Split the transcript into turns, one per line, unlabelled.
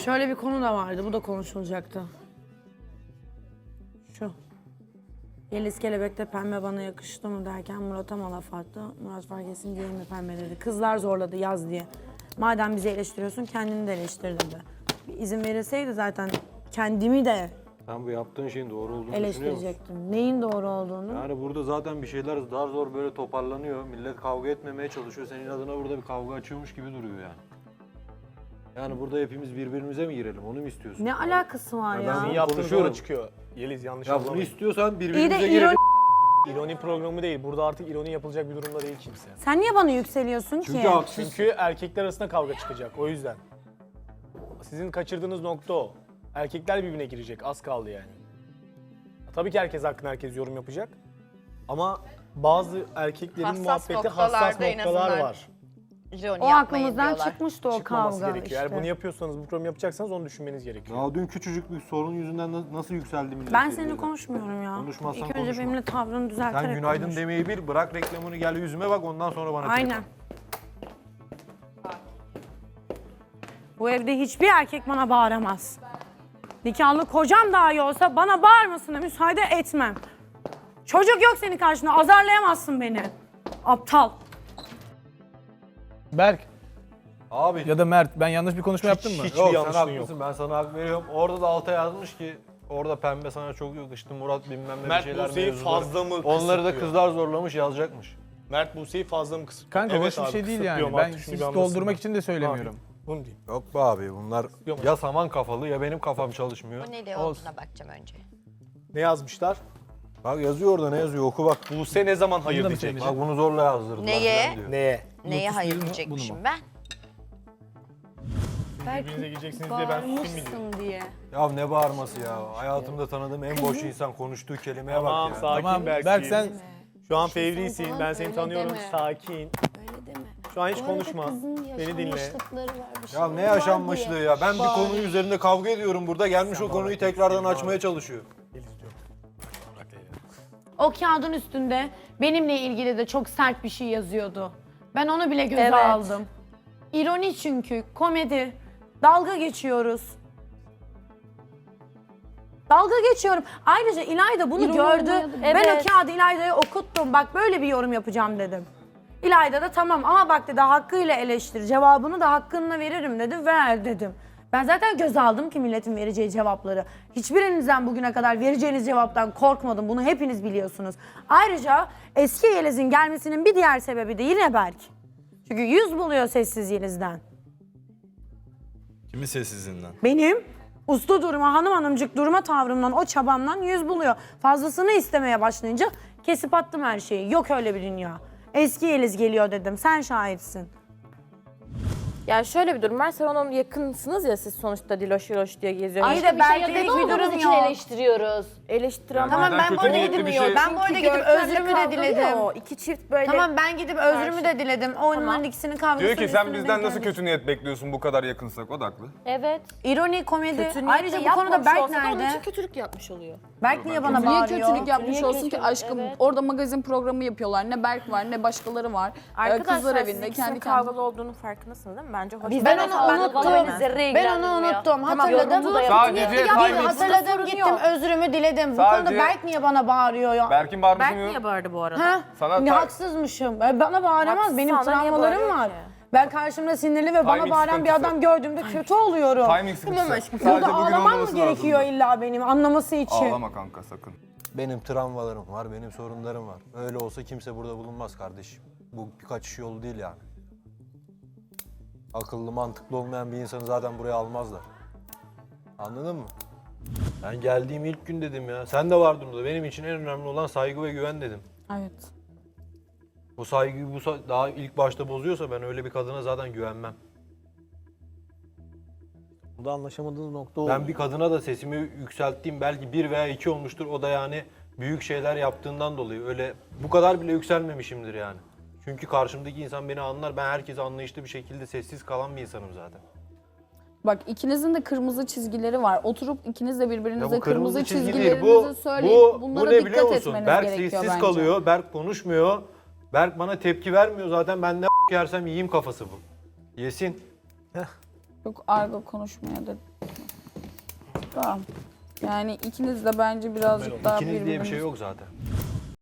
Şöyle bir konu da vardı, bu da konuşulacaktı. Şu. Yeliz Kelebek'te pembe bana yakıştı mı derken Murat'a mı laf attı? Murat fark etsin diye mi pembe dedi. Kızlar zorladı yaz diye. Madem bizi eleştiriyorsun kendini de eleştir dedi. Bir izin verilseydi zaten kendimi de
Sen bu yaptığın şeyin doğru olduğunu düşünüyor musun?
eleştirecektim. Neyin doğru olduğunu.
Yani burada zaten bir şeyler daha zor böyle toparlanıyor. Millet kavga etmemeye çalışıyor. Senin adına burada bir kavga açıyormuş gibi duruyor yani. Yani burada hepimiz birbirimize mi girelim? Onu mu istiyorsun?
Ne alakası var ya?
Senin yaptığın
konuşuyorum.
doğru çıkıyor. Yeliz yanlış
Ya bunu
anlamayın.
istiyorsan
İyi
birbirimize
de
girelim.
İroni programı değil. Burada artık ironi yapılacak bir durumda değil kimse.
Sen niye bana yükseliyorsun
Çünkü
ki?
haksız.
Çünkü erkekler arasında kavga çıkacak. O yüzden. Sizin kaçırdığınız nokta o. Erkekler birbirine girecek. Az kaldı yani. Tabii ki herkes hakkında herkes yorum yapacak. Ama bazı erkeklerin
Hassas
muhabbeti
noktalarda
hassas
en
noktalar
azından
var.
İroni
O
yapmayın
aklımızdan
diyorlar.
çıkmıştı o
Çıkmaması
kavga
gerekiyor.
işte.
Eğer bunu yapıyorsanız, bu programı yapacaksanız onu düşünmeniz gerekiyor.
Ya dün küçücük bir sorun yüzünden nasıl yükseldi millet?
Ben
birbirine?
seninle konuşmuyorum ya.
Konuşmazsan
İlk önce
konuşma.
benimle tavrını düzelterek
Sen günaydın
konuş.
demeyi bil, bırak reklamını gel yüzüme bak ondan sonra bana
Aynen. Bu evde hiçbir erkek bana bağıramaz. Nikahlı kocam dahi olsa bana bağırmasına müsaade etmem. Çocuk yok senin karşında, azarlayamazsın beni. Aptal.
Berk
Abi
ya da Mert, ben yanlış bir konuşma yaptım mı?
hiç-
yok sen
yanlışlığın
haklısın ben sana hak veriyorum. Orada da alta yazmış ki orada pembe sana çok yakıştı Murat bilmem ne
Mert
bir şeyler
Buse'yi
mevzuları.
fazla mı
Onları da
kısıtlıyor?
kızlar zorlamış yazacakmış.
Mert Buse'yi fazla mı kısıtlıyor?
Kanka
Evet
hoş bir
abi,
şey değil
kısıtlıyorum
yani. Ben
artık, şunu
sizi
bir anlasınlar.
doldurmak için de söylemiyorum.
Abi, bunu diyeyim.
Yok be abi bunlar
Yok.
ya saman kafalı ya benim kafam çalışmıyor.
Bu ne
Olsun.
olduğuna bakacağım önce.
Ne yazmışlar?
Bak yazıyor orada ne yazıyor oku bak.
Buse ne zaman hayır
Bunu da mı
diyecek?
söyleyecek?
Bak bunu zorla yazdırdılar
Neye?
falan diyor.
Neye?
Neye hayır
bunu mu?
diyecekmişim ben?
Birbirinize gireceksiniz diye ben susayım mı diyorum?
Bağırmışsın diye.
Ya ne bağırması ya. Hayatımda tanıdığım en boş insan konuştuğu kelimeye
Tamam
bak ya.
sakin
Tamam
Berk.
Berk sen
Şu an fevrisin. Ben seni
öyle
tanıyorum.
deme.
Sakin.
Öyle deme.
Şu an hiç
Bu arada
konuşma.
kızın
Beni dinle.
yaşanmışlıkları var, bir
Ya
şeyleri
ne
var
yaşanmışlığı
diye.
ya. Ben bir
Bağır.
konu üzerinde kavga ediyorum burada. Gelmiş o konuyu tekrardan açmaya çalışıyor.
Yeliz diyor. Bırak Leyla.
O kağıdın üstünde benimle ilgili de çok sert bir şey yazıyordu. Ben onu bile göze
Evet.
aldım. İroni çünkü, komedi. Dalga geçiyoruz. Dalga geçiyorum. Ayrıca İlayda bunu
İroni
gördü.
olmaya da-
Ben
Evet.
o kağıdı İlayda'ya okuttum. Bak böyle bir yorum yapacağım dedim. İlayda da tamam ama bak dedi hakkıyla eleştir. Cevabını da hakkınla veririm dedi. Ver dedim. Ben zaten göz aldım ki milletin vereceği cevapları. Hiçbirinizden bugüne kadar vereceğiniz cevaptan korkmadım. Bunu hepiniz biliyorsunuz. Ayrıca eski Yeliz'in gelmesinin bir diğer sebebi de yine Berk. Çünkü 100 buluyor sessiz Yeliz'den.
Kimin sessizliğinden?
Benim uslu durma, hanım hanımcık durma tavrımdan, o çabamdan 100 buluyor. Fazlasını istemeye başlayınca kesip attım her şeyi. Yok öyle bir dünya. Eski Yeliz geliyor dedim. Sen şahitsin.
Yani şöyle bir durum var. Sen onun yakınsınız ya siz sonuçta Diloş Diloş diye geziyorsunuz.
İyi de belki
Belki
hiçbir durum
için
yok.
eleştiriyoruz.
Eleştiren
Tamam ben bu arada
niyetli
gidip
bir şey-
ben bu arada gidip özrümü de diledim.
İki çift böyle.
Tamam ben gidip özrümü de diledim. Onların ikisinin kavgasını
Diyor ki sen
üstüne
bizden
denk
nasıl
gelmiş.
kötü niyet bekliyorsun bu kadar yakınsak o da haklı.
Evet.
İroni, komedi.
Kötü niyetle
Ayrıca bu konuda
yapmamış
Berk
olsa da onun
nerede?
için kötülük yapmış oluyor.
Berk niye bana
Niye
bağırıyor?
kötülük yapmış
Niye
olsun ki
kötülük?
aşkım?
Evet.
Orada magazin programı yapıyorlar. Ne Berk var ne başkaları var.
Arkadaşlar
Kızlar
siz
evinde
ikisinin
kendi
kavgalı
kendine.
olduğunun farkındasınız değil mi? Bence hoş.
Ben onu unuttum.
zerre
Ben onu unuttum. Hatırladım.
Sadece timing.
Hatırladım gittim özrümü diledim. Bu
Sadece-
konuda Berk niye bana bağırıyor ya?
Berk'in
Berk
bağırmasını
niye bağırdı bu arada?
Ha?
Sana
Ne
ta-
haksızmışım. Bana bağıramaz.
Haksız,
Benim
sana niye
travmalarım
bağırıyor
var.
ki?
Ben karşımda sinirli ve bana
Timing
bağıran bir
sıkıntısı.
adam gördüğümde kötü oluyorum.
Timing sıkıntısı.
Tamam aşkım.
Sadece
Burada
bugün
ağlamam mı
olmaması
gerekiyor
lazımdı.
illa benim anlaması için?
Ağlama kanka sakın.
Benim travmalarım var, benim sorunlarım var. Öyle olsa kimse burada bulunmaz kardeşim. Bu bir kaçış yolu değil yani. Akıllı, mantıklı olmayan bir insanı zaten buraya almazlar. Anladın mı? Ben geldiğim ilk gün dedim ya. Sen de vardın burada. Benim için en önemli olan saygı ve güven dedim.
Evet.
Bu saygıyı daha ilk başta bozuyorsa ben öyle bir kadına zaten güvenmem.
Burada anlaşamadığınız nokta o.
Ben bir kadına da sesimi yükselttiğim belki 1 veya 2 olmuştur. O da yani büyük şeyler yaptığından dolayı. Öyle bu kadar bile yükselmemişimdir yani. Çünkü karşımdaki insan beni anlar. Ben herkese anlayışlı bir şekilde sessiz kalan bir insanım zaten.
Bak ikinizin de kırmızı çizgileri var. Oturup ikiniz de
Ya
birbirinize
bu
kırmızı
çizgi değil.
çizgilerinizi söyleyip bunlara
ne
dikkat
biliyor musun?
etmeniz
Berk
gerekiyor
sessiz
bence.
kalıyor. Berk konuşmuyor. Berk bana tepki vermiyor zaten. Ben ne yersem yiyeyim kafası bu. Yesin.
Çok argo konuşmaya da. Tamam. Yani ikiniz de bence birazcık daha
İkiniz diye bir
birbiriniz-
şey yok zaten.